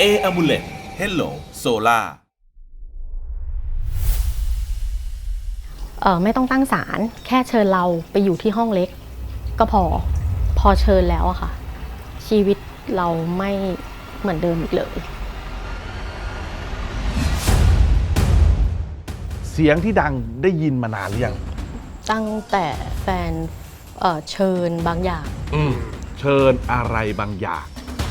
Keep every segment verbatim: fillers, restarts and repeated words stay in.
Amulet Hello Solar เออไม่ต้องตั้งศาลแค่เชิญเราไปอยู่ที่ห้องเล็กก็พอพอเชิญแล้วอะค่ะชีวิตเราไม่เหมือนเดิมอีกเลยเสียงที่ดังได้ยินมานานหรือยังตั้งแต่แฟนเอ่อเชิญบางอย่างอืมเชิญอะไรบางอย่าง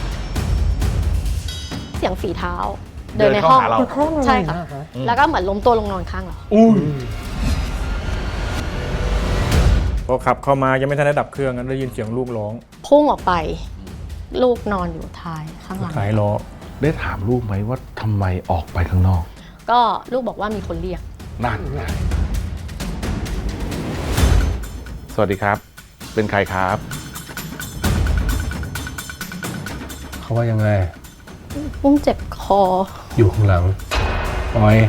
เสียงฝีเท้าเดินในห้องเราใช่ค่ะแล้วก็เหมือนล้มตัวลงนอนข้างเราอุ้ยพอขับเข้ามายังไม่ทันได้ดับเครื่องได้ยินเสียงลูกร้องพุ่งออกไปลูกนอนอยู่ท้ายข้างหลังท้ายล้อได้ถามลูกไหมว่าทำไมออกไปข้างนอกก็ลูกบอกว่ามีคนเรียกนั่นไงสวัสดีครับเป็นใครครับเขาว่ายังไงปุ้มเจ็บคออยู่ข้างหลังปอย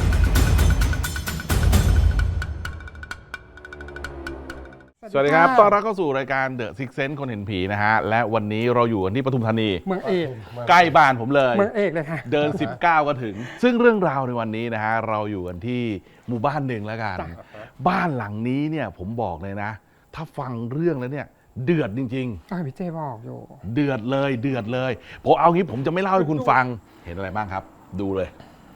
สวัสดีครับต้อนรับเข้าสู่รายการ The Six Sense คนเห็นผีนะฮะและวันนี้เราอยู่กันที่ปทุมธานีเมืองเอกใกล้บ้านผมเลยเมืองเอกเลยค่ะเดินสิบเก้าก็ถึงซึ่งเรื่องราวในวันนี้นะฮะเราอยู่กันที่หมู่บ้านหนึ่งแล้วกันบ้านหลังนี้เนี่ยผมบอกเลยนะถ้าฟังเรื่องแล้วเนี่ยเดือดจริงๆพี่เจบอกอยู่เดือดเลยเดือดเลยผมเอางี้ผมจะไม่เล่าให้คุณฟังเห็นอะไรบ้างครับดูเลย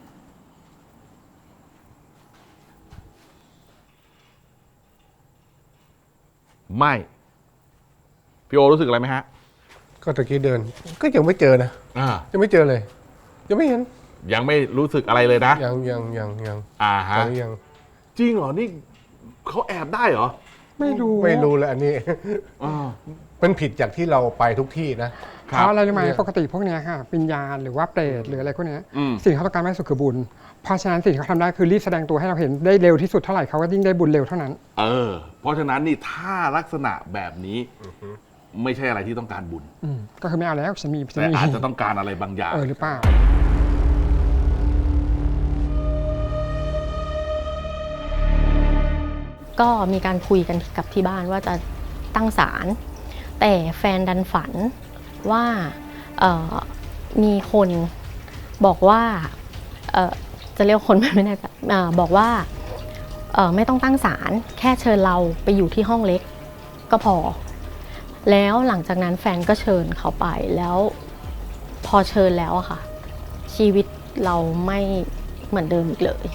ไม่พี่โอรู้สึกอะไรไหมฮะก็ตะกี้เดินก็ยังไม่เจอนะอ่ายังไม่เจอเลยยังไม่เห็นยังไม่รู้สึกอะไรเลยนะยังยังยังยังอ่าฮะยังจริงเหรอนี่เขาแอบได้เหรอไม่รู้ไม่รู้เลยอันนี้มันผิดจากที่เราไปทุกที่นะเพราะอะไรรู้ไหมปกติพวกนี้ค่ะวิญญาณหรือว่าเปรตหรืออะไรพวกนี้สิ่งเขาต้องการมากที่สุดคือบุญเพราะฉะนั้นสิ่งที่เขาทำได้คือรีบแสดงตัวให้เราเห็นได้เร็วที่สุดเท่าไหร่เขาก็ยิ่งได้บุญเร็วเท่านั้นเออเพราะฉะนั้นนี่ถ้าลักษณะแบบนี้ไม่ใช่อะไรที่ต้องการบุญก็คือไม่เอาแล้วฉันมีแต่อาจจะต้องการอะไรบางอย่างเออหรือเปล่าก็มีการคุยกันกับที่บ้านว่าจะตั้งศาลแต่แฟนดันฝันว่ามีคนบอกว่าจะเรียกคนไม่แน่ใจบอกว่าไม่ต้องตั้งศาลแค่เชิญเราไปอยู่ที่ห้องเล็กก็พอแล้วหลังจากนั้นแฟนก็เชิญเขาไปแล้วพอเชิญแล้วอะค่ะชีวิตเราไม่เหมือนเดิมอีกเลย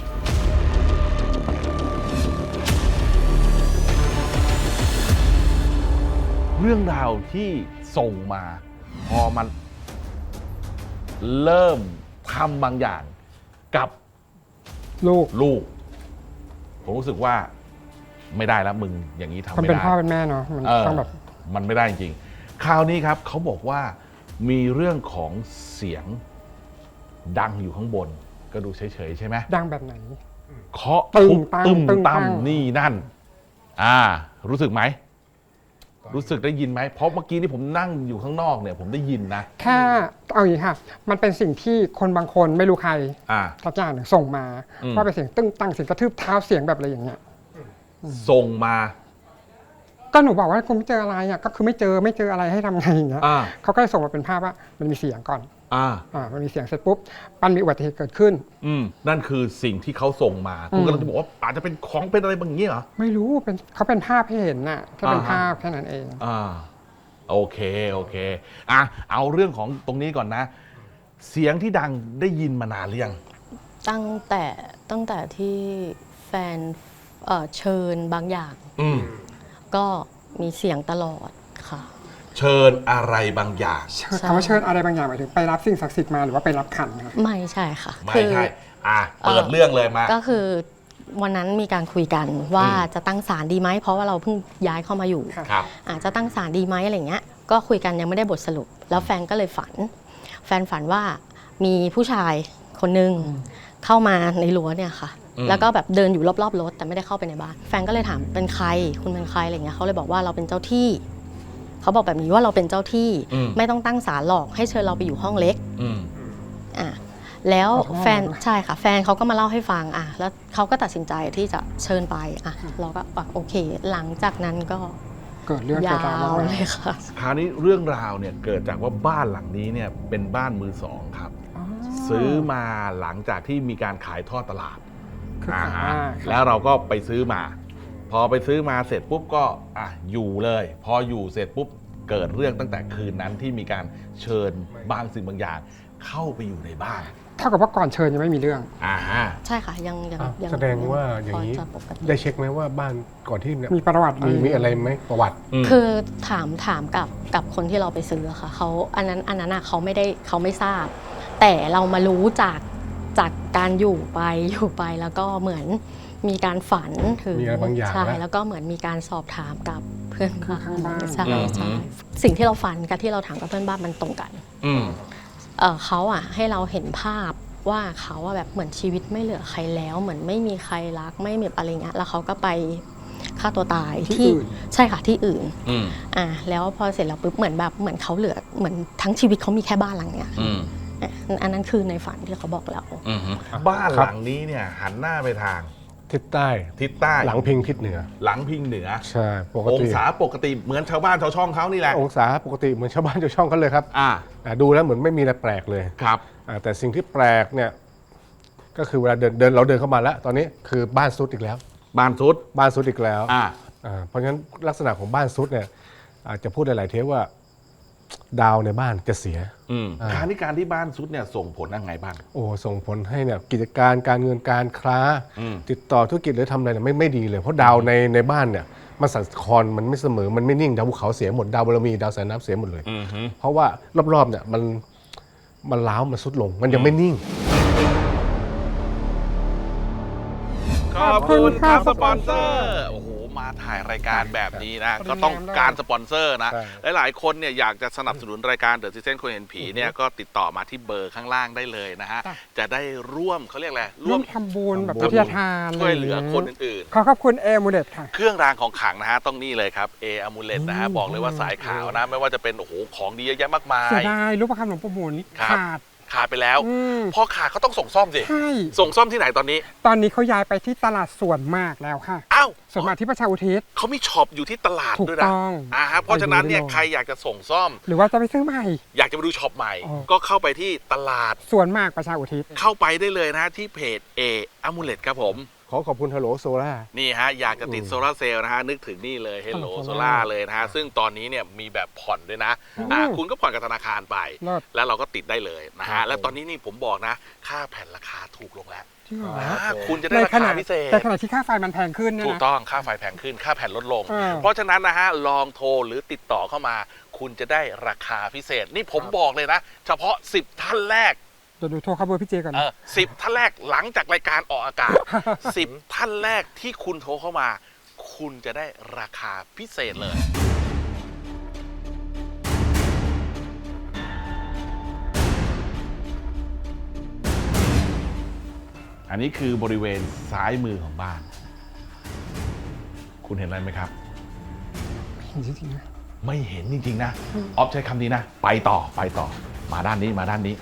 เรื่องราวที่ส่งมาพอมันเริ่มทำบางอย่างกับลูกลูกผมรู้สึกว่าไม่ได้แล้วมึงอย่างนี้ทำไม่ได้มันเป็นพ่อเป็นแม่เนาะมันต้องแบบมันไม่ได้จริงคราวนี้ครับเขาบอกว่ามีเรื่องของเสียงดังอยู่ข้างบนก็ดูเฉยๆใช่ไหมดังแบบไหนเคาะตึ้มตึ้มตั้มนี่นั่นอ่ารู้สึกไหมรู้สึกได้ยินไหมเพราะเมื่อกี้นี่ผมนั่งอยู่ข้างนอกเนี่ยผมได้ยินนะแค่เอาอย่างนี้ค่ะมันเป็นสิ่งที่คนบางคนไม่รู้ใครสักอย่างหนึ่งส่งมาว่าเป็นเสียงตึ้งตั้งเสียงกระทืบเท้าเสียงแบบอะไรอย่างเงี้ยส่งมาก็หนูบอกว่าคุณไม่เจออะไรอ่ะก็คือไม่เจอไม่เจออะไรให้ทำไงอย่างเงี้ยเขาก็เลยส่งมาเป็นภาพว่ามันมีเสียงก่อนอ่าอ่ามันมีเสียงเสร็จปุ๊บมันมีอุบัติเหตุเกิดขึ้นอืมนั่นคือสิ่งที่เขาส่งมาคุณก็เลยบอกว่าอาจจะเป็นของเป็นอะไรบางอย่างเหรอไม่รู้เป็นเขาเป็นภาพให้เห็นน่ะแค่เป็นภาพแค่นั้นเองอ่าโอเคโอเคอ่ะเอาเรื่องของตรงนี้ก่อนนะเสียงที่ดังได้ยินมานานหรือยังตั้งแต่ตั้งแต่ที่แฟนเอ่อเชิญบางอย่างอืมก็มีเสียงตลอดค่ะเชิญอะไรบางอย่างคำว่าเชิญอะไรบางอย่างหมายถึงไปรับสิ่งศักดิ์สิทธิ์มาหรือว่าไปรับขันคะไม่ใช่ค่ะไม่ใช่อ่ะเปิดเรื่องเลยมาก็คือวันนั้นมีการคุยกันว่าจะตั้งศาลดีไหมเพราะว่าเราเพิ่งย้ายเข้ามาอยู่อาจจะตั้งศาลดีไหมอะไรเงี้ยก็คุยกันยังไม่ได้บทสรุปแล้วแฟนก็เลยฝันแฟนฝันว่ามีผู้ชายคนนึงเข้ามาในรั้วเนี่ยค่ะแล้วก็แบบเดินอยู่รอบๆรถแต่ไม่ได้เข้าไปในบ้านแฟนก็เลยถามเป็นใครคุณเป็นใครอะไรเงี้ยเขาเลยบอกว่าเราเป็นเจ้าที่เขาบอกแบบนี้ว่าเราเป็นเจ้าที่ไม่ต้องตั้งศาลหรอกให้เชิญเราไปอยู่ห้องเล็กอ่ะแล้วแฟนใช่ค่ะแฟนเขาก็มาเล่าให้ฟังอ่ะแล้วเขาก็ตัดสินใจที่จะเชิญไปอ่ะเราก็โอเคหลังจากนั้นก็เกิดเรื่องยาวเลยค่ะคราวนี้เรื่องราวเนี่ยเกิดจากว่าบ้านหลังนี้เนี่ยเป็นบ้านมือสองครับซื้อมาหลังจากที่มีการขายทอดตลาดคืออ่าอ่าฮะครับแล้วเราก็ไปซื้อมา พอไปซื้อมาเสร็จปุ๊บก็อ่ะอยู่เลย พออยู่เสร็จปุ๊บเกิดเรื่องตั้งแต่คืนนั้นที่มีการเชิญบางสิ่งบางอย่างเข้าไปอยู่ในบ้านเท่ากับว่าก่อนเชิญยังไม่มีเรื่องอ่าฮะใช่ค่ะยังยังอ้าวยังแสดงว่าอย่างนี้พจะปกติได้เช็คไหมว่าบ้านก่อนที่เนี่ยมีประวัติมีมีอะไรไหมประวัติคือถามถามกับกับคนที่เราไปซื้ออะค่ะเขาอันนั้นอันนั้นอะเขาไม่ได้เขาไม่ทราบ แต่เรามารู้จากจากการอยู่ไปอยู่ไปแล้วก็เหมือนมีการฝันถึงมีอะไรบางอย่างใช่นะแล้วก็เหมือนมีการสอบถามกับเพื่อนบ้านข้างบ้านใช่อืมใช่สิ่งที่เราฝันกับที่เราถามกับเพื่อนบ้านมันตรงกันอืมเอ่อเขาอะให้เราเห็นภาพว่าเขาอะแบบเหมือนชีวิตไม่เหลือใครแล้ว เหมือนไม่มีใครรักไม่มีอะไรเงี้ยแล้วเขาก็ไปฆ่าตัวตายที่อื่นใช่ค่ะที่อื่นอืมอ่ะแล้วพอเสร็จแล้วปุ๊บเหมือนแบบเหมือนเขาเหลือเหมือนทั้งชีวิตเขามีแค่บ้านหลังเนี้ยอืมอ่ะอันนั้นคือในฝันที่เขาบอกเราอืมบ้านหลังนี้เนี่ยหันหน้าไปทางทิศใต้ทิศใต้หลังพิงทิศเหนือหลังพิงเหนือใช่ปกองติศาปกติเหมือนชาวบ้านชาวช่องเขานี่แหละองศาปกติเหมือนชาวบ้านชาวช่องเขาเลยครับอ่าอ่าดูแล้วเหมือนไม่มีอะไรแปลกเลยครับอ่าแต่สิ่งที่แปลกเนี่ยก็คือเวลาเดินเดินเราเดินเข้ามาแล้ว ตอนนี้คือบ้านซุดอีกแล้วบ้านซุดบ้านซุดอีกแล้วอ่าอ่าเพราะฉะนั้นลักษณะของบ้านซุดเนี่ยอาจจะพูดหลายๆเทปว่าดาวในบ้านจะเสียอืมอ่าการที่การที่บ้านซุดเนี่ยส่งผลยังไงบ้างโอ้ส่งผลให้เนี่ยกิจการการเงินการค้าอืมติดต่อธุรกิจหรือทำอะไรเนี่ยไม่ไม่ดีเลย เพราะดาวในในบ้านเนี่ยมันสั่นคลอนมันไม่เสมอมันไม่นิ่งดาวภูเขาเสียหมดดาวบารมีดาวสายน้ำเสียหมดเลยอืมฮึเพราะว่ารอบๆเนี่ยมันมันล้าวมันสุดลง มันยังไม่นิ่งขอบคุณครับสปอนเซอร์โอ้โหมาถ่ายรายการแบบนี้นะ ก็ต้องการสปอนเซอร์นะใช่หลายๆคนเนี่ยอยากจะสนับสนุนรายการเดอะซิเซนคนเห็นผีเนี่ยก็ติดต่อมาที่เบอร์ข้างล่างได้เลยนะฮะ จะได้ร่วมเขาเรียกอะไรร่วมทำบุญแบบวิทยาทานช่วยเหลือคนอื่นขอขอบคุณเอมูเดตค่ะๆ เครื่องรางของขลังนะฮะต้องนี่เลยครับเออมูเลตนะฮะอืมบอกเลยว่าสายขาวนะ ไม่ว่าจะเป็นโอ้โหของดีเยอะแยะมากมายเสียดายรูปประคำหลวงปู่หมุนครับขาดขาดไปแล้วอืมพอขาดเขาต้องส่งซ่อมสิใช่ส่งซ่อมที่ไหนตอนนี้ตอนนี้เขาย้ายไปที่ตลาดสวนมากแล้วค่ะอ้าวสวนมากที่ประชาอุทิศเขามีช็อปอยู่ที่ตลาดถูกด้วยนะต้องอ่าฮะเพราะฉะนั้นเนี่ยไปดูได้เลยใครอยากจะส่งซ่อมหรือว่าจะไปซื้อใหม่อยากจะไปดูช็อปใหม่อ๋อก็เข้าไปที่ตลาดสวนมากประชาอุทิศเข้าไปได้เลยนะที่เพจเออมูเลตครับผมขอขอบคุณฮัลโหลโซล่านี่ฮะ อยากจะติดโซลาร์เซลล์นะฮะ นึกถึงนี่เลย Hello Hello Solar เลยนะฮะ ซึ่งตอนนี้เนี่ยมีแบบผ่อนด้วยนะอ่าคุณก็ผ่อนกับธนาคารไปเลิศแล้วเราก็ติดได้เลยนะครัฮะบแล้วตอนนี้นี่ผมบอกนะ ค่าแผ่นราคาถูกลงแล้วจริงเหรออ่าคุณจะได้ในราขณะคาพิเศษในขณะที่ค่าไฟมันแพงขึ้นเนี่ยถูกนะต้องค่าไฟแพงขึ้นค่าแผ่นลดลงอ่าเพราะฉะนั้นนะฮะ ลองโทรหรือติดต่อเข้ามา คุณจะได้ราคาพิเศษ นี่ผมบอกเลยนะ เฉพาะสิบท่านแรกเดี๋ยวดูโทรเข้าเบอร์พี่เจก่อนเอนะอสิบท่านแรกหลังจากรายการออกอากาศ สิบท่านแรกที่คุณโทรเข้ามา คุณจะได้ราคาพิเศษเลย อันนี้คือบริเวณซ้ายมือของบ้าน คุณเห็นอะไรไหมครับเห็นจริงๆนะไม่เห็นจริงๆนะ ออฟใช้คำนี้นะ ไปต่อไปต่อ มาด้านนี้มาด้านนี้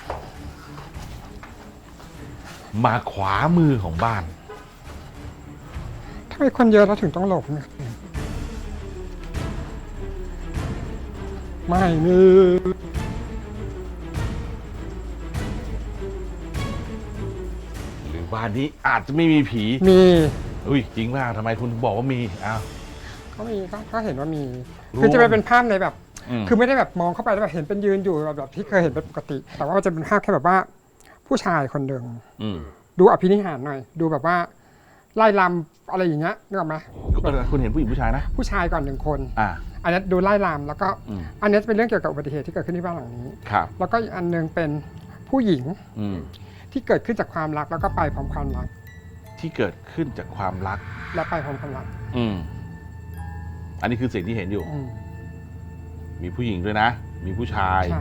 มาขวามือของบ้านทำไมคนเยอะเราถึงต้องหลบเนี่ยไม่มีหรือบ้านนี้อาจจะไม่มีผีมีอุ้ยจริงมากทำไมคุณถึงบอกว่ามีอ้าวก็มีก็ก็เห็นว่ามีรวมคือจะไปเป็นภาพในแบบอืมคือไม่ได้แบบมองเข้าไปแล้วแบบเห็นเป็นยืนอยู่แบบแบบที่เคยเห็นเป็นปกติ แต่ว่ามันจะเป็นภาพแค่แบบว่า ผู้ชายคนหนึ่งอืมดูอภินิหารหน่อย ดูแบบว่าไล่ลำอะไรอย่างเงี้ยนึกออกไหมคุณเห็นผู้หญิงผู้ชายนะผู้ชายก่อนหนึ่งคนอ่าอันนี้ดูไล่ลำแล้วก็อืมอันนี้จะเป็นเรื่องเกี่ยวกับอุบัติเหตุที่เกิดขึ้นที่บ้านหลังนี้ครับแล้วก็อีกอันหนึงเป็นผู้หญิงอืมที่เกิดขึ้นจากความรักแล้วก็ไปพร้อมความรักที่เกิดขึ้นจากความรักและไปพร้อมความรักอืมอันนี้คือสิ่งที่เห็นอยู่อืมมีผู้หญิงด้วยนะ มีผู้ชายใช่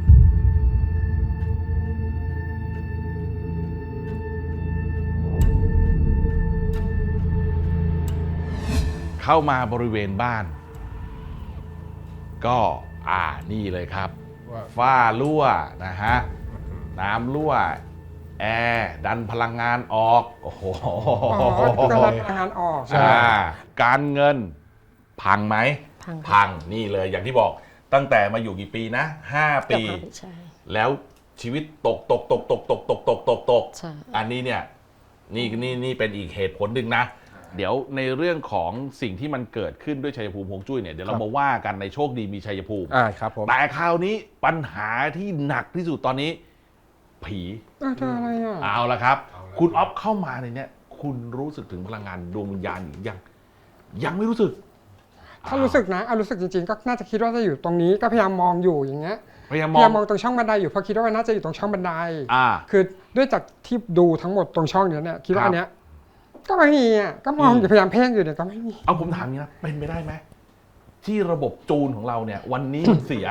เข้ามาบริเวณบ้าน ก็อ่านี่เลยครับว่าฝ้ารั่วนะฮะ น้ำรั่ว แอร์ดันพลังงานออก โอ้โหอ๋อก็รับงานออกอ่าการเงินพังไหมพังค่ะพังนี่เลยอย่างที่บอกตั้งแต่มาอยู่กี่ปีนะห้าเกือบปีห้าปีใช่แล้วชีวิตตกตกตกตกตกตกตกตกตกใช่อันนี้เนี่ยนี่นี่นี่เป็นอีกเหตุผลหนึ่งนะ เดี๋ยวในเรื่องของสิ่งที่มันเกิดขึ้นด้วยชัยภูมิฮวงจุ้ยเนี่ยเดี๋ยวเรามาว่ากันในโชคดีมีชัยภูมิอ่าครับผมแต่คราวนี้ปัญหาที่หนักที่สุดตอนนี้ ผีอ้าวเจออะไรอ่ะเอาละครับ คุณอ๊อฟเข้ามาในเนี้ยคุณรู้สึกถึงพลังงานดวงวิญญาณหรือยังยังไม่รู้สึกถ้ารู้สึกนะเอารู้สึกจริงๆ ก็น่าจะคิดว่าจะอยู่ตรงนี้ก็พยายามมองอยู่อย่างเงี้ยพยายามพมอยายามงมองตรงช่องบันไดอยู่เพราะคิดว่ามันน่าจะอยู่ตรงช่องบันไดอ่าคือด้วยจากที่ดูทั้งหมดตรงช่องเนี้ยเนี่ยคิดว่าครับอันเนี้ยก็ไม่มีอ่ะก็มองอยู่พยายามเพ่งอยู่เนี่ยก็ไม่มีเอาผมถามนี้นะเป็นไปได้ไหมที่ระบบจูนของเราเนี่ย วันนี้มันเสีย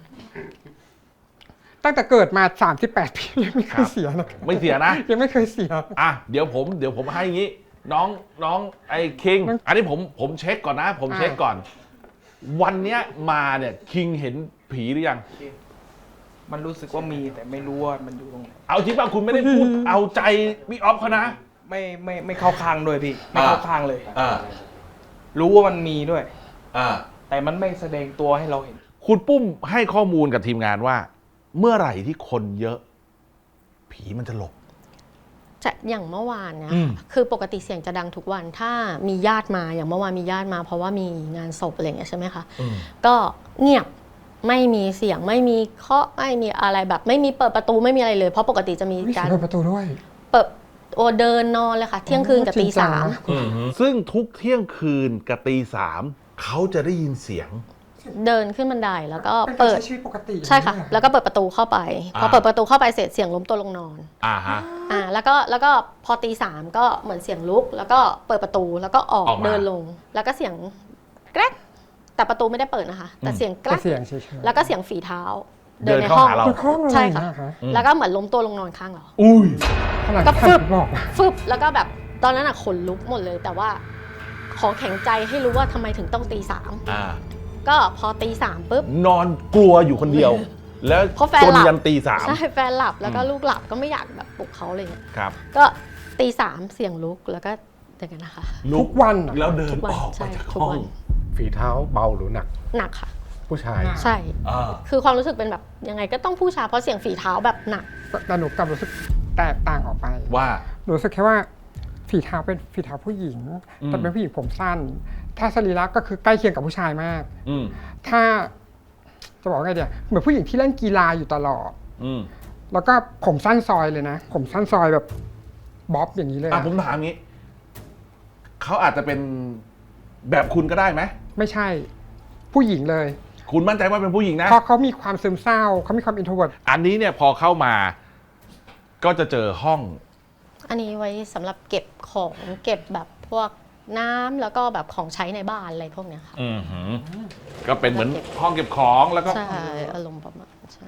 ตั้งแต่เกิดมาสามสิบแปดปียังไม่เคครัยบเสียนะไม่เสียนะยังไม่เคยเสียอ่ะเดี๋ยวผมเดี๋ยวผมให้อย่างนี้ น้องน้องไอ้คิง อันนี้ผมผมเช็คก่อนนะ ผมเช็คก่อน วันเนี้ยมาเนี่ยคิงเห็นผีหรือยังมันรู้สึกว่ามีแต่ไม่รู้ว่ามันอยู่ตรงไหนเอาจริงป่ะคุณไม่ได้พูดเอาใจพี่ออฟเขานะไม่ไม่ไม่เข้าข้างด้วยพี่ ไม่เข้าข้างเลยอ่ารู้ว่ามันมีด้วยอ่าแต่มันไม่แสดงตัวให้เราเห็นคุณปุ้มให้ข้อมูลกับทีมงานว่า เมื่อไหร่ที่คนเยอะ ผีมันจะหลบจะอย่างเมื่อวานเนี่ยอืมคือปกติเสียงจะดังทุกวันถ้ามีญาติมาอย่างเมื่อวานมีญาติมาเพราะว่ามีงานศพอะไรอย่างเงี้ยใช่ไหมคะก็เงียบไม่มีเสียงไม่มีเคาะไม่มีอะไรแบบ ไม่มีเปิดประตูไม่มีอะไรเลย เพราะปกติจะมีมีกาเสียรงเปิดประตูด้วยเปิดโอเดินนอนเลยค่ะ เที่ยงคืนกับจริตีงจังสามนะซึ่งทุกเที่ยงคืนกับตีสามเขาจะได้ยินเสียงเดินขึ้นบันไดแล้วก็เป็นการเปิดใช้ชีวิตปกติใช่ค่ะอย่างนี้แล้วก็เปิดประตูเข้าไป พออ่าเปิดประตูเข้าไปเสร็จเสียงล้มตัวลงนอนอ่าฮะอ่าแล้วก็แล้วก็พอตีสามก็เหมือนเสียงลุก แล้วก็เปิดประตูแล้วก็ออกออกมาเดินลง แล้วก็เสียงแกรกแต่ประตูไม่ได้เปิดนะคะ แต่เสียงแกรแต่กเสียงเฉยๆแล้วก็เสียงฝีเท้าเดินเข้าหาเราคือห้องอะไรใช่ค่ะนแล้วก็เหมือนล้มตัวลงนอนข้างเราอุ้ยขนาดก็ที่ฟึบท่านบอกว่าฟึบแล้วก็แบบตอนนั้นอะขนลุกหมดเลย แต่ว่าขอแข็งใจให้รู้ว่าทำไมถึงต้องตีสามอ่าก็พอตีสามปุ๊บนอนกลัวอยู่คนเดียว แล้วเพราะแฟนจนหลับยันตีสามใช่แฟนหลับแล้วก็ลูกหลับก็ไม่อยากแบบปลุกเขาอะไรเงี้ยครับก็ตีสามเสียงลุกแล้วก็อย่างนั้นนะคะลุกทุกวันอะแล้วเดินทุกวันออกใช่มาจากทุกห้อวังนฝีเท้าเบาหรือหนักหนักค่ะผู้ชายใช่อ่าคือความรู้สึกเป็นแบบยังไงก็ต้องผู้ชายเพราะเสียงฝีเท้าแบบหนักแต่หนูกลับรู้สึกแตกต่างออกไปว่าหนูรู้สึกแค่ว่าฝีเท้าเป็นฝีเท้าผู้หญิงอืมแต่เป็นผู้หญิงผมสั้น ถ้าสรีระก็คือใกล้เคียงกับผู้ชายมากอืมถ้าจะบอกไงเดียวเหมือนผู้หญิงที่เล่นกีฬาอยู่ตลอดอืมแล้วก็ผมสั้นซอยเลยนะ ผมสั้นซอยแบบบ๊อบอย่างนี้เลยอ่ะอะผมถามงี้ เขาอาจจะเป็นแบบคุณก็ได้ไหมไม่ใช่ ผู้หญิงเลยคุณมั่นใจว่าเป็นผู้หญิงนะเพราะเขามีความซึมเศร้าเขามีความอินโทรเวิร์ตอันนี้เนี่ยพอเข้ามา ก็จะเจอห้องอันนี้ไว้สำหรับเก็บของเก็บแบบพวกน้ำแล้วก็แบบของใช้ในบ้านอะไรพวกเนี้ยค่ะอือหือ ก็เป็นเหมือนห้องเก็บของแล้วก็ใช่อารมณ์ประมาณใช่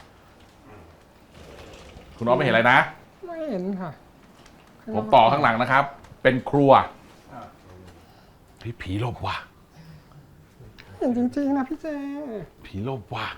คุณน้องไม่เห็นอะไรนะไม่เห็นค่ะผมต่อข้างหลังนะครับ เป็นครัวพี่ผีหลบว่ะเห็นจริงๆนะพี่เจผีหลบว่ะ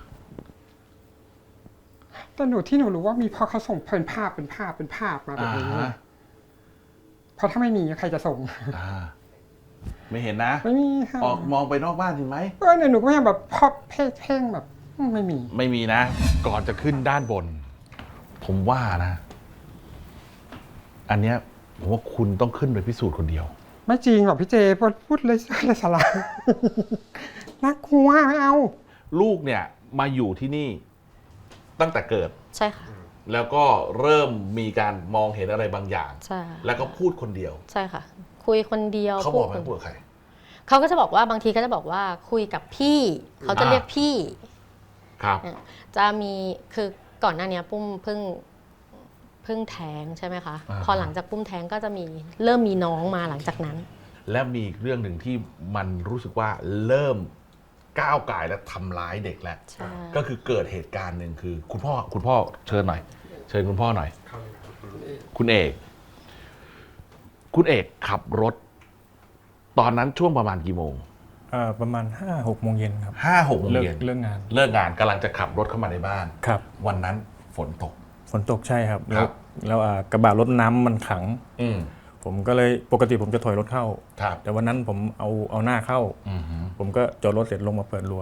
แต่หนูที่หนูรู้ว่ามีเพราะเขาส่งเป็นภาพเป็นภาพเป็นภาพมาแบบอ่านี้ฮะเพราะถ้าไม่มีใครจะส่งอ่าไม่เห็นนะไม่มีค่ะออกมองไปนอกบ้านเห็นไหมเออเนี่ยหนูก็พยายามแบบพอบเพ่งเพ่งแบบอืมไม่มีไม่มีนะ ก่อนจะขึ้นด้านบน ผมว่านะ อันเนี้ยผมว่าคุณต้องขึ้นไปพิสูจน์คนเดียวไม่จริงหรอกพี่เจพูดพูดเลยเลยสาระ น่ากลัวไม่เอาลูกเนี่ยมาอยู่ที่นี่ตั้งแต่เกิดใช่ค่ะแล้วก็เริ่มมีการมองเห็นอะไรบางอย่างใช่แล้วก็พูดคนเดียวใช่ค่ะ คุยคนเดียวเขาบอกไหมพูดพูดกับใครเขาก็จะบอกว่าบางทีก็จะบอกว่าคุยกับพี่ เขาจะอ่าเรียกพี่ครับจะมีคือก่อนหน้านี้ปุ้มเพิ่งเพิ่งแท้งใช่ไหมคะอ่าพอหลังจากปุ้มแท้งก็จะมีเริ่มมีน้องมาหลังจากนั้นและมีอีกเรื่องหนึ่งที่มันรู้สึกว่าเริ่มก้าวไก่และทำร้ายเด็กแล้วใช่ก็คือเกิดเหตุการณ์หนึ่งคือ คุณพ่อคุณพ่อเชิญหน่อย เชิญคุณพ่อหน่อย คุณเอก คุณเอกขับรถ ตอนนั้นช่วงประมาณกี่โมงเอ่อประมาณห้าหกโมงเย็นครับห้าหกโมงเลิกเย็นเลิกงานเลิกงานกำลังจะขับรถเข้ามาในบ้านครับวันนั้นฝนตกฝนตกใช่ครับคแล้รัวบแล้วอ่ากระบะรถน้ำมันขังอืมผมก็เลยปกติผมจะถอยรถเข้าครับแต่วันนั้นผมเอาเอาหน้าเข้าอืมฮึผมก็จอดรถเสร็จลงมาเปิดรั้วอ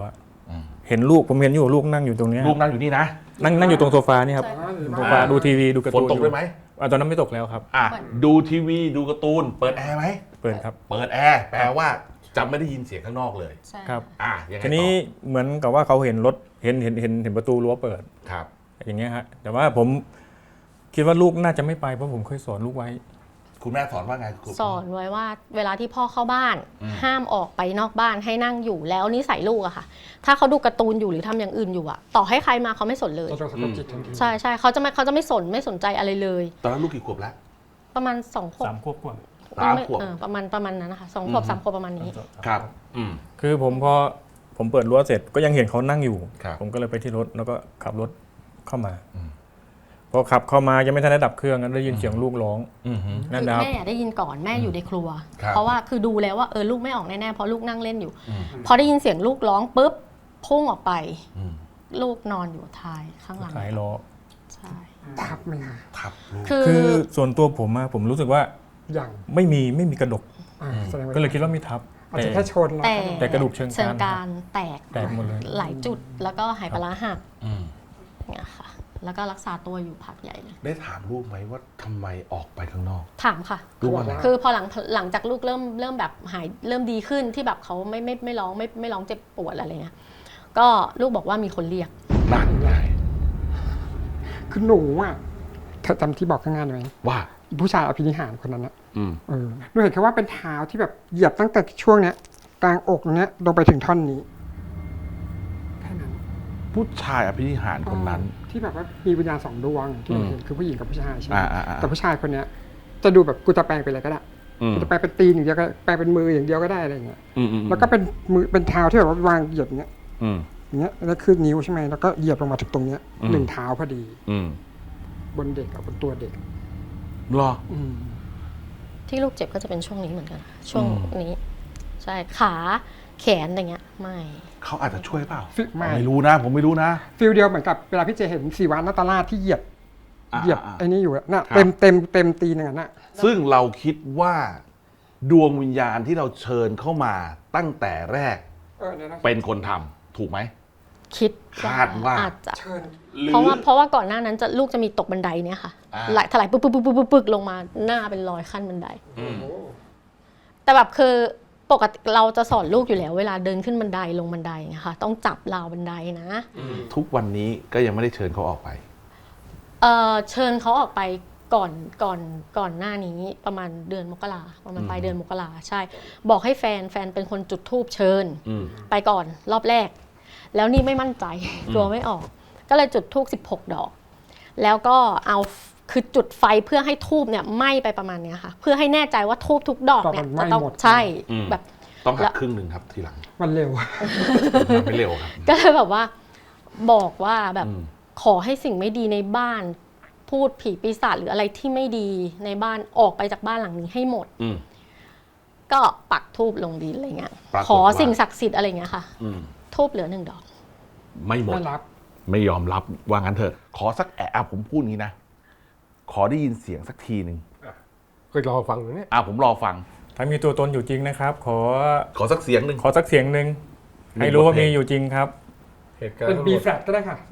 เห็นลูกผมเห็นอยู่ลูกนั่งอยู่ตรงเนี้ยลูกนั่งอยู่นี่นะนั่งนั่งอยู่ตรงโซฟานี่ครับโซฟาดูทีวีดูการ์ฝนตูนตกด้วยไหมอ่ะตอนนั้นไม่ตกแล้วครับอ่ะดูทีวีดูการ์ตูนเปิดแอร์ไหมเปิดครับเปิดแอร์แปลว่าจะไม่ได้ยินเสียงข้างนอกเลยใช่ครับอ่ะยังไงทีต่นี้อเหมือนกับว่าเขาเห็นรถเห็นเห็นเห็นเห็นประตูรั้วเปิดครับอย่างเงี้ยฮะแต่ว่าผมคิดว่าลูกน่าจะไม่ไปเพราะผมเคยสอนลูกไว้คุณแม่สอนว่าไงคุณสอนไว้ว่าเวลาที่พ่อเข้าบ้าน ห้ามออกไปนอกบ้านให้นั่งอยู่แล้วนิสัยลูกอะค่ะ ถ้าเขาดูการ์ตูนอยู่หรือทำอย่างอื่นอยู่อะต่อให้ใครมาเขาไม่สนเลยเราจะสะกดจิตทันทีใช่ใช่เขาจะไม่เขาจะไม่สนไม่สนใจอะไรเลยตอนนั้นลูกกี่ขวบแล้วประมาณสองขวบสามขวบกว่าสามไม่ขวบเออประมาณประมาณนั้นนะคะสองขวบสามขวบประมาณนี้ครับ อืมคือผมพอผมเปิดรั้วเสร็จก็ยังเห็นเขานั่งอยู่ครับผมก็เลยไปที่รถแล้วก็ขับรถเข้ามาพอขับเข้ามายังไม่ทันได้ดับเครื่องนั้นได้ยินเสียงลูกร้องอืมฮึนั่นคือนะครับแม่อะได้ยินก่อนแม่อยู่ในครัวครับเพราะว่าคือดูแล้วว่าเออลูกไม่ออกแน่ๆเพราะลูกนั่งเล่นอยู่อืมพอได้ยินเสียงลูกร้องปุ๊บพุ่งออกไปอืมลูกนอนอยู่ท้ายข้างหลังสายล้อใช่ทับไหมคะทับลูกคือคือส่วนตัวผมอะผมรู้สึกว่าอย่างไม่มีไม่มีกระดกอ่าแสดงว่าก็เลยคิดว่ามีทับอาจแต่จะแค่ชนแล้วแต่แต่กระดูกเชิงกรานเชิงกรานแตกแตกหมดเลยหลายจุดแล้วก็หายปลาร้าหักอืมเนี่ยค่ะ แล้วก็รักษาตัวอยู่พักใหญ่เลยได้ถามลูกไหมว่าทำไมออกไปข้างนอกถามค่ะลูกว่าไงคือพอหลังหลังจากลูกเริ่มเริ่มแบบหายเริ่มดีขึ้นที่แบบเขาไม่ไม่ไม่ร้องไม่ไม่ร้องเจ็บปวดอะไรเงี้ยก็ลูกบอกว่ามีคนเรียกนั่นไงคือหนูอ่ะเธอจำที่บอกข้างหน้าได้ไหมว่าผู้ชายอภินิหารคนนั้นนะอืมเออหนูเห็นแค่ว่าเป็นเท้าที่แบบเหยียบตั้งแต่ช่วงเนี้ยกลางอกเนี้ยลงไปถึงท่อนนี้แค่นั้นผู้ชายอภินิหารคนนั้นที่แบบว่ามีวิญญาณสองดวงที่อืมเห็นคือผู้หญิงกับผู้ชายใช่ไหมอ่าอ่าอ่าแต่ผู้ชายคนเนี้ย จะดูแบบกูจะแปลงเป็นอะไรก็ได้อืมกูจะแปลงเป็นตีนอย่างเดียวก็แปลงเป็นมืออย่างเดียวก็ได้อะไรอย่างเงี้ยอืมอืมแล้วก็เป็นมือเป็นเท้าที่แบบว่าวางเหยียบอย่างเงี้ยอืมอย่างเงี้ยแล้วคือนิ้วใช่ไหมแล้วก็เหยียบลงมาถึงตรงเนี้ยอืมหนึ่งเท้าพอดีอืมบนเด็กกับบนตัวเด็กเหรออืมที่ลูกเจ็บก็จะเป็นช่วงนี้เหมือนกันค่ะช่วงอืมนี้ ใช่ขาแขนอะไรเงี้ยไม่เขาอาจจะช่วยเปล่าฟิไม่ไม่รู้นะ ผมไม่รู้นะฟิลเดียวเหมือนกับเวลาพี่เจเห็นสีวานนาตาลาชที่เหยียบอ่าเหยียบอ่าไอ้นี่อยู่อะน่ะครับเต็มเต็มเต็มตีนอย่างนั้นน่ะซึ่งเราคิดว่าดวงวิญญาณที่เราเชิญเข้ามาตั้งแต่แรกเออเนี่ยนะเป็นคนทำถูกไหมคิดคาดว่าอาจจะเชิญเพราะว่าเพราะว่าก่อนหน้านั้นจะลูกจะมีตกบันไดเนี่ยค่ะอ่าไหลถลายปึ๊กปึ๊กปึ๊กปึ๊กปึ๊กปึ๊กลงมาหน้าเป็นรอยขั้นบันไดอืมแต่แบบคือปกติเราจะสอนลูกอยู่แล้วเวลาเดินขึ้นบันไดลงบันไดนะคะต้องจับราวบันไดนะทุกวันนี้ก็ยังไม่ได้เชิญเขาออกไปเออเชิญเขาออกไปก่อนก่อนก่อนหน้านี้ประมาณเดือนมกราประมาณปลายเดือนมกราใช่ บอกให้แฟนแฟนเป็นคนจุดธูปเชิญอืมไปก่อนรอบแรก แล้วนี่ไม่มั่นใจกลัวไม่ออก ก็เลยจุดธูปสิบหกดอก แล้วก็เอาคือจุดไฟเพื่อให้ธูปเนี่ยไหม้ไปประมาณเนี้ยค่ะ เพื่อให้แน่ใจว่าธูปทุกดอกเนี่ยดอกมันไหม้จะต้องหมดใช่อืมแบบต้องหัแล้กวครึ่งหนึ่งครับทีหลังมันเร็วทำไม่เร็วครับก็เลยแบบว่าบอกว่าแบบอืมขอให้สิ่งไม่ดีในบ้าน พูดผีปีศาจหรืออะไรที่ไม่ดีในบ้านออกไปจากบ้านหลังนี้ให้หมดอืมก็ปักทูบลงดินอะไรเงี้ยปรากฏว่าขอสิ่งศักดิ์สิทธิ์อะไรเงี้ยค่ะอืมทูบเหลือหนึ่งดอกไม่หมดไม่รับไม่ยอมรับว่างั้นเถอะ ขอสักแอะอ่ะผมพูดงี้นะ ขอได้ยินเสียงสักทีหนึ่งเคยรอฟังอยู่เนี่ยอ่ะผมรอฟังถ้ามีตัวตนอยู่จริงนะครับ ขอขอสักเสียงหนึ่งขอสักเสียงหนึ่งให้รู้ว่ามีอยู่จริงครับเหตุการณ์เป็น B flat ก็ได้ค่ะ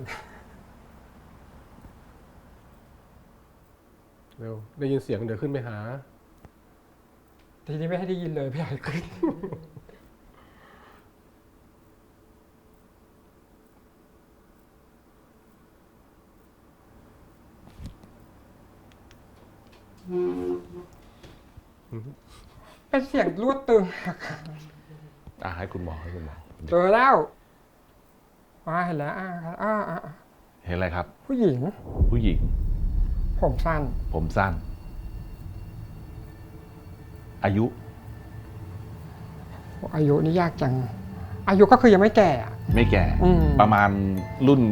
เร็วได้ยินเสียงเดี๋ยวขึ้นไปหาทีนี้ไม่ให้ได้ยินเลยพี่ใหญ่ขึ้น เป็นเสียงรวดตึงอ่ะให้คุณหมอให้คุณหมอเจอแล้วอ่าเห็นแล้วอ่าอ่าอ่าเห็นอะไรครับผู้หญิงผู้หญิงผมสั้นผมสั้น อายุอายุนี่ยากจัง อายุก็คือยังไม่แก่อะไม่แก่อืมประมาณรุ่น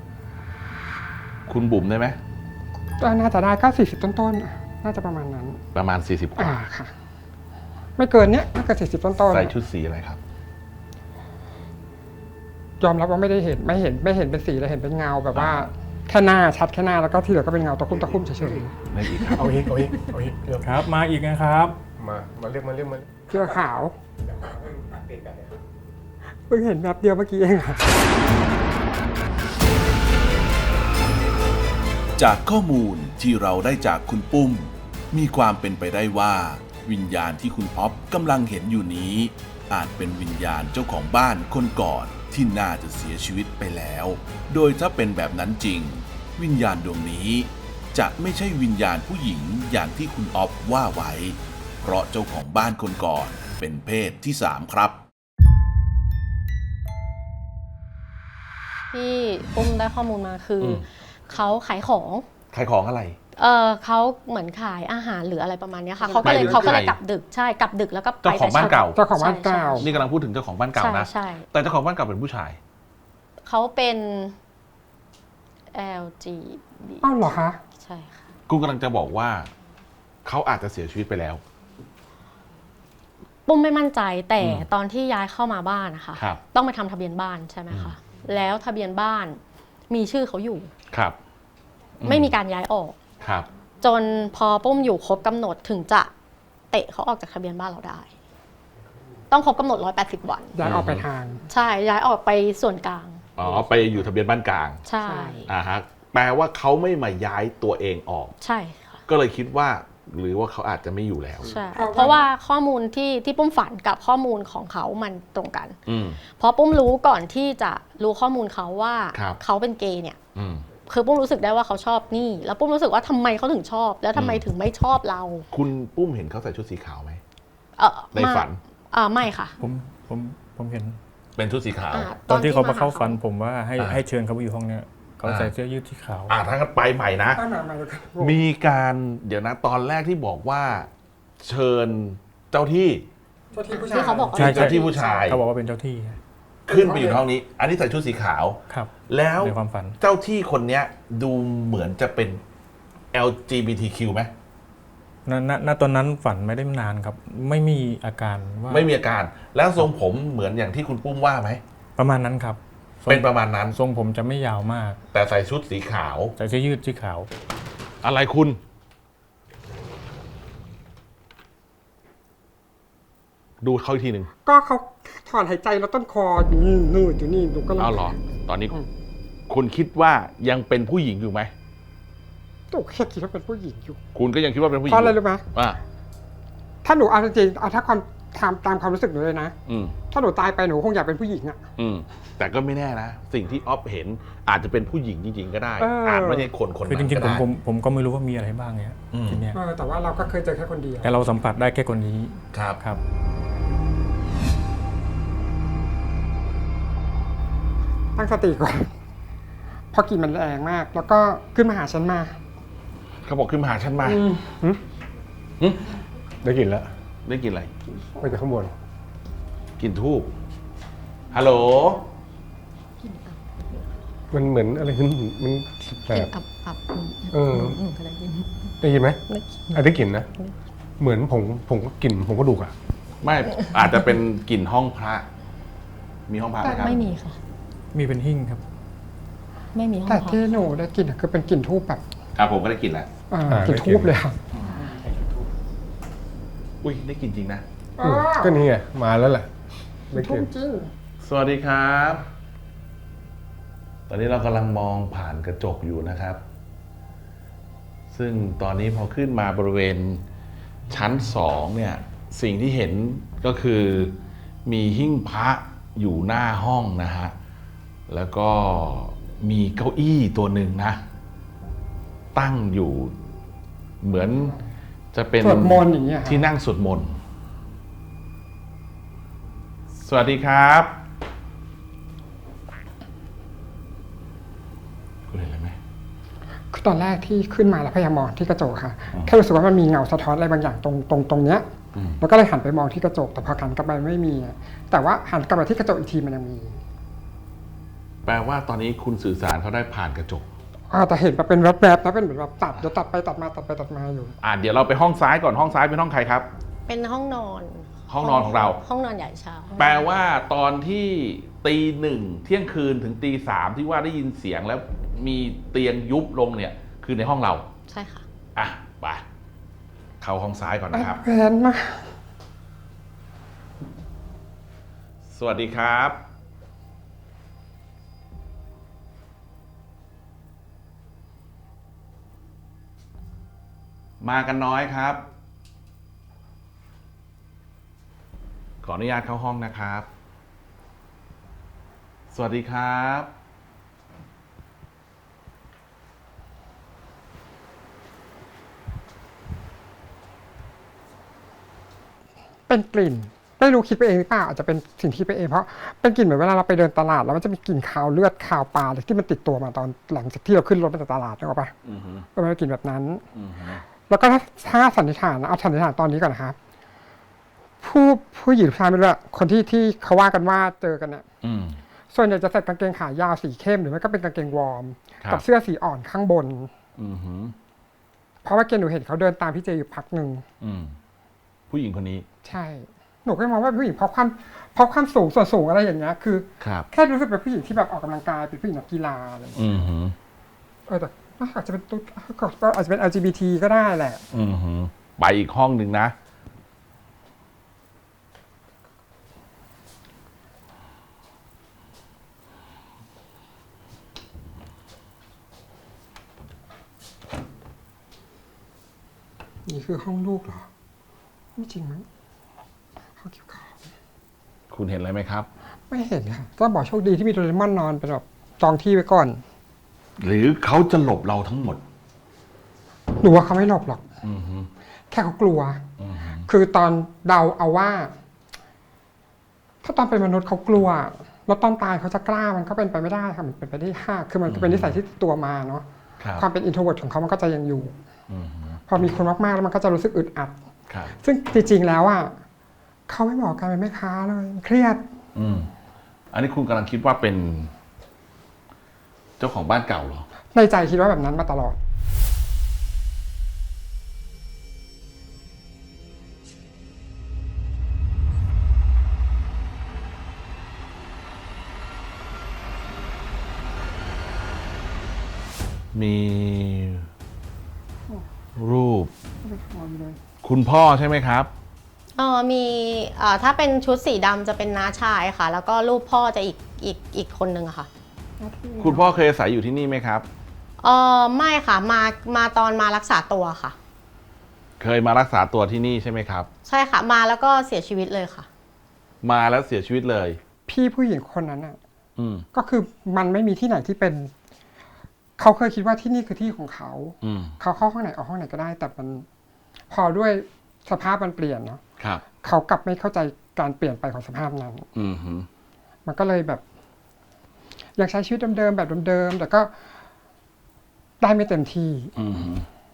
คุณบุ๋มได้ไหมก็น่าจะได้ก็สี่สิบต้นๆอะน่าจะประมาณนั้นประมาณสี่สิบกอ่าว่าค่ะ ไม่เกินเนี้ยไม่เกินสี่สิบต้นๆใส่ชุดสีอะไรครับยอมรับว่าไม่ได้เห็นไม่เห็นไม่เห็นเป็นสีเลยเห็นเป็นเงาแบบว่าแค่หน้าชัดแค่หน้าแล้วก็ที่เหลือก็เป็นเงาตะคุ่มตะคุ่มเฉยไม่อีกครับเอาอีกเอาอีกเอาอีกเร็วครับ มาอีกนะครับมา มาเรียกมาเรียกมาๆเสื้อขาวเพิ่งเห็นแบบเดียวเมื่อกี้เองครับจากข้อมูลที่เราได้จากคุณปุ้ม มีความเป็นไปได้ว่า วิญญาณที่คุณอ๊อฟกำลังเห็นอยู่นี้ อาจเป็นวิญญาณเจ้าของบ้านคนก่อนที่น่าจะเสียชีวิตไปแล้ว โดยถ้าเป็นแบบนั้นจริง วิญญาณดวงนี้ จะไม่ใช่วิญญาณผู้หญิงอย่างที่คุณอ๊อฟว่าไว้ เพราะเจ้าของบ้านคนก่อนเป็นเพศที่สามครับที่ปุ้มได้ข้อมูลมาคืออมเขาขายของขายของอะไรเออเขาเหมือนขายอาหารหรืออะไรประมาณเนี้ยค่ะเขาหก็มายเลยถึงเขาก็เลยใครกลับดึกใช่กลับดึกแล้วก็ไปเจ้าของบ้านเก่าเจ้าของบ้านเก่านี่กำลังพูดถึงเจ้าของบ้านเก่าใช่นะใช่แต่เจ้าของบ้านเก่าเป็นผู้ชายเขาเป็น แอล จี บีอ้าวเหรอคะใช่ค่ะกูกำลังจะบอกว่า เขาอาจจะเสียชีวิตไปแล้วปุ้มไม่มั่นใจแต่อืมตอนที่ย้ายเข้ามาบ้านนะคะครับต้องไปทำทะเบียนบ้านใช่ไหมคะแล้วทะเบียนบ้านมีชื่อเขาอยู่ครับไม่มีการย้ายออกครับจนพอปุ้มอยู่ครบกำหนดถึงจะเตะเขาออกจากทะเบียนบ้านเราได้ ต้องครบกำหนดหนึ่งร้อยแปดสิบวันย้ายออกไปทางใช่ย้ายออกไปส่วนกลางอ๋อ ไปอยู่ทะเบียนบ้านกลางใช่อ่าฮะ แปลว่าเขาไม่มาย้ายตัวเองออกใช่ค่ะก็เลยคิดว่า หรือว่าเขาอาจจะไม่อยู่แล้วใช่เพราะว่าข้อมูลที่ที่ปุ้มฝันกับข้อมูลของเขามันตรงกันอืมเพราะปุ้มรู้ก่อนที่จะรู้ข้อมูลเขาว่าครับเขาเป็นเกย์เนี่ยอืมคือปุ้มรู้สึกได้ว่าเขาชอบนี่ แล้วปุ้มรู้สึกว่าทำไมเขาถึงชอบ แล้วทำไมอืมถึงไม่ชอบเราคุณปุ้มเห็นเขาใส่ชุดสีขาวไหมเออในฝันอ่าไม่ค่ะผมผมผมเห็นเป็นชุดสีขาวอ่าตอนที่เขามาหเข้าฝันผมว่าให้อ่าให้เชิญเขาไปอยู่ห้องเนี้ยเขาอ่าใส่เสื้อยืดสีขาวอ่าถ้างั้นไปใหม่นะตั้งนานมาแล้วครับมีการเดี๋ยวนะ ตอนแรกที่บอกว่า เชิญเจ้าที่เจ้าที่ผู้ชายที่เขาบอกว่ใช่เจ้าที่ผู้ชายเขาบอกว่าเป็นเจ้าที่ขึ้นไปอยู่ในห้องนี้ อันนี้ใส่ชุดสีขาวครับแล้วในความฝันเจ้าที่คนเนี้ย ดูเหมือนจะเป็น แอล จี บี ที คิว ไหมณณณตอนนั้นฝันไม่ได้นานครับ ไม่มีอาการว่าไม่มีอาการ แล้วทรงผมเหมือนอย่างที่คุณปุ้มว่าไหมประมาณนั้นครับทรงเป็นประมาณนั้นทรงผมจะไม่ยาวมากแต่ใส่ชุดสีขาวใส่เสื้อยืดสีขาวอะไรคุณ ดูเขาอีกทีหนึ่งก็เขาถอนหายใจแล้วต้นคออยู่นี่นู่นอยู่นี่หนูก็เลยเอาเหรอ ตอนนี้ คุณคิดว่ายังเป็นผู้หญิงอยู่ไหมหนูแค่คิดว่าเป็นผู้หญิงอยู่คุณก็ยังคิดว่าเป็นผู้หญิเพงราะอะไรรู้ไหมอ่าถ้าหนูเอาจริงๆเอาถ้าความตามตามความรู้สึกหนูเลยนะอืมถ้าหนูตายไปหนูคงอยากเป็นผู้หญิงอะอืม แต่ก็ไม่แน่นะ สิ่งที่ออฟเห็นอาจจะเป็นผู้หญิงจริง ๆ ก็ได้เออออาจไม่ใช่คนคนคือนั้จนริงก็ๆผมได้ผมผมก็ไม่รู้ว่ามีอะไรบ้างเนี่ยอืมทีเนี้ยเออแต่ว่าเราก็เคยเจอแค่คนเดียวแต่เราสัมผัสได้แค่คนนี้ครับครับตั้งสติก่อนเพราะกลิ่นมันแรงมาก แล้วก็ขึ้นมาหาฉันมาเขาบอกขึ้นมาหาฉันมาได้กลินแล้วได้กินอะไรมาจากข้างบนกินทูบฮัลโหลมันเหมือนอะไรขึ้นมันแบกลิ่นบอับอับเออหนูก็ได้ยินได้ยินไหมได้ยินอ่ะได้กลิ่นนะ เหมือนผงผงกลิ่นผงกระดูกอ่ะไม่อาจจะเป็นกลิ่นห้องพระ มีห้องพระไหมครับไม่มีค่ะมีเป็นหิ้งครับไม่มีห้องแต่พักที่หนูได้กลิ่นอะคือเป็นกลิ่นทูบแบบอ่ะผมก็ได้กลิ่นแล้วเอ่ออ่ากลิ่นได้กลิ่ทูนบเลยค่ะอุ้ยได้กลิ่นจริงนะอืมก็นี่ไงมาแล้วแหละได้กทูลิ่บนจริงสวัสดีครับ ตอนนี้เรากำลังมองผ่านกระจกอยู่นะครับ ซึ่งตอนนี้พอขึ้นมาบริเวณชั้นสองเนี่ย สิ่งที่เห็นก็คือมีหิ้งพระอยู่หน้าห้องนะฮะ แล้วก็มีเก้าอี้ตัวหนึ่งนะ ตั้งอยู่เหมือนจะเป็นสวดมนต์อย่างเงี้ยค่ะที่นั่งสวดมนต์ สวัสดีครับ คุณเห็นอะไรไหมคือตอนแรกที่ขึ้นมาแล้วพยายามมองที่กระจกค่ะ แค่รู้สึกว่ามันมีเงาสะท้อนอะไรบางอย่างตรงตรงตรงเนี้ยอืมแล้วก็เลยหันไปมองที่กระจก แต่พอหันกลับไปไม่มีอะแต่ว่าหันกลับมาที่กระจกอีกทีมันยังมีแปลว่าตอนนี้คุณสื่อสารเขาได้ผ่านกระจกอ่าแต่เห็นแบบเป็นแวบๆนะเป็นเหมือนแบบตัดเดี๋ยวตัดไปตัดมาตัดไปตัดมาอยู่อ่าเดี๋ยวเราไปห้องซ้ายก่อนห้องซ้ายเป็นห้องใครครับเป็นห้องนอนห้องนอนของเราห้องนอนใหญ่ชาวแปลว่าตอนที่ตีหนึ่งเที่ยงคืนถึงตีสามที่ว่าได้ยินเสียงแล้วมีเตียงยุบลงเนี่ย คือในห้องเราใช่ค่ะอ่ะไปเข้าห้องซ้ายก่อนนะครับแพนมากสวัสดีครับมากันน้อยครับ ขออนุญาตเข้าห้องนะครับ สวัสดีครับเป็นกลิ่นไม่รู้คิดไปเองหรือเปล่าอาจจะเป็นสิ่งที่คิดไปเองเพราะเป็นกลิ่นเหมือนเวลาเราไปเดินตลาดแล้วมันจะมีกลิ่นคาวเลือดคาวปลาอะไรที่มันติดตัวมาตอนหลังจากที่เราขึ้นรถไปจากตลาดนึกออกปะอือฮึก็เป็นกลิ่นแบบนั้นอือฮึแล้วก็ถ้าถ้าสันนิษฐานนะเอาสันนิษฐานตอนนี้ก่อนนะครับผู้ผู้หญิงผู้ชายไม่รู้อะคนที่ที่เขาว่ากันว่าเจอกันเนี่ยอืมส่วนใหญ่จะใส่กางเกงขายาวสีเข้มหรือไม่ก็เป็นกางเกงวอร์มครับกับเสื้อสีอ่อนข้างบนอือฮึเพราะว่าเกณฑ์หนูเห็นเขาเดินตามพี่เจอยู่พักหนึ่งอืม ผู้หญิงคนนี้ใช่ หนูก็มองว่าเป็นผู้หญิงเพราะความเพราะความสูงส่วนสูงอะไรอย่างเงี้ยคือครับแค่รู้สึกเป็นผู้หญิงที่แบบออกกำลังกายเป็นผู้หญิงนักกีฬาอะไรอย่างเงี้ยอือฮึเออแต่อาจจะเป็นตุ๊ดก็อาจจะเป็น แอล จี บี ที ก็ได้แหละอือฮึไปอีกห้องหนึ่งนะนี่คือห้องลูกเหรอไม่จริงมั้งห้องเกี่ยวกับคุณเห็นอะไรไหมครับไม่เห็นค่ะก็บอกโชคดีที่มีโดเรมอนนอนเป็นแบบจองที่ไว้ก่อนหรือเขาจะหลบเราทั้งหมดหนูว่าเขาไม่หลบหรอกอือฮึแค่เขากลัวอือฮึคือตอนเดาเอาว่า ถ้าตอนเป็นมนุษย์เขากลัว แล้วตอนตายเขาจะกล้ามันก็เป็นไปไม่ได้ค่ะมันเป็นไปได้ยากคือมันเป็นนิสัยที่ติดตัวมาเนาะครับความเป็นอินโทรเวิร์ตของเขามันก็จะยังอยู่อือฮึพอมีคนมากๆแล้วมันก็จะรู้สึกอึดอัดครับซึ่งจริงๆแล้วอ่ะเขาไม่เหมาะกับการเป็นแม่ค้าเลยเครียดอืม อันนี้คุณกำลังคิดว่าเป็น เจ้าของบ้านเก่าเหรอในใจคิดว่าแบบนั้นมาตลอดมีรูป คุณพ่อใช่ไหมครับเออมีเอ่อถ้าเป็นชุดสีดำจะเป็นน้าชายค่ะ แล้วก็รูปพ่อจะอีกอีกอีกคนนึงอะค่ะคุณพ่อเคยอาศัยอยู่ที่นี่ไหมครับเออไม่ค่ะมามาตอนมารักษาตัวค่ะเคยมารักษาตัวที่นี่ใช่ไหมครับใช่ค่ะมาแล้วก็เสียชีวิตเลยค่ะมาแล้วเสียชีวิตเลยพี่ผู้หญิงคนนั้นอ่ะอืมก็คือมันไม่มีที่ไหนที่เป็น เขาเคยคิดว่าที่นี่คือที่ของเขาอืมเขาเข้าห้องไหนออกห้องไหนก็ได้ แต่มันพอด้วยสภาพมันเปลี่ยนเนาะครับเขากลับไม่เข้าใจการเปลี่ยนไปของสภาพนั้นอืมฮึมันก็เลยแบบ อยากใช้ชีวิตเดิมๆแบบเดิมๆแต่ก็ได้ไม่เต็มที่อืมฮึ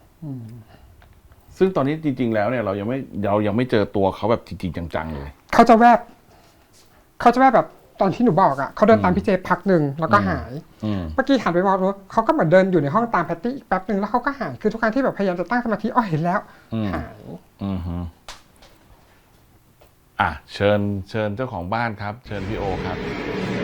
ซึ่งตอนนี้จริง ๆ แล้วเนี่ยเรายังไม่เรายังไม่เจอตัวเขาแบบจริง ๆ จัง ๆ เลยเขาจะแวบ เขาจะแวบแบบตอนที่หนูบอกอะ่ะเขาเดินตามพี่เจพักหนึ่งแล้วก็หายอืมเมื่อกี้หันไปมองดูเขาก็เหมือนเดินอยู่ในห้องตามแพตตี้อีกแป๊บหนึ่งแล้วเขาก็หายคือทุกครั้งที่แบบพยายามจะตั้งสมาธิอ๋อเห็นแล้วอืมหายอืมฮึอ่ะเชิญเชิญเจ้าของบ้านครับ เชิญพี่โอครับ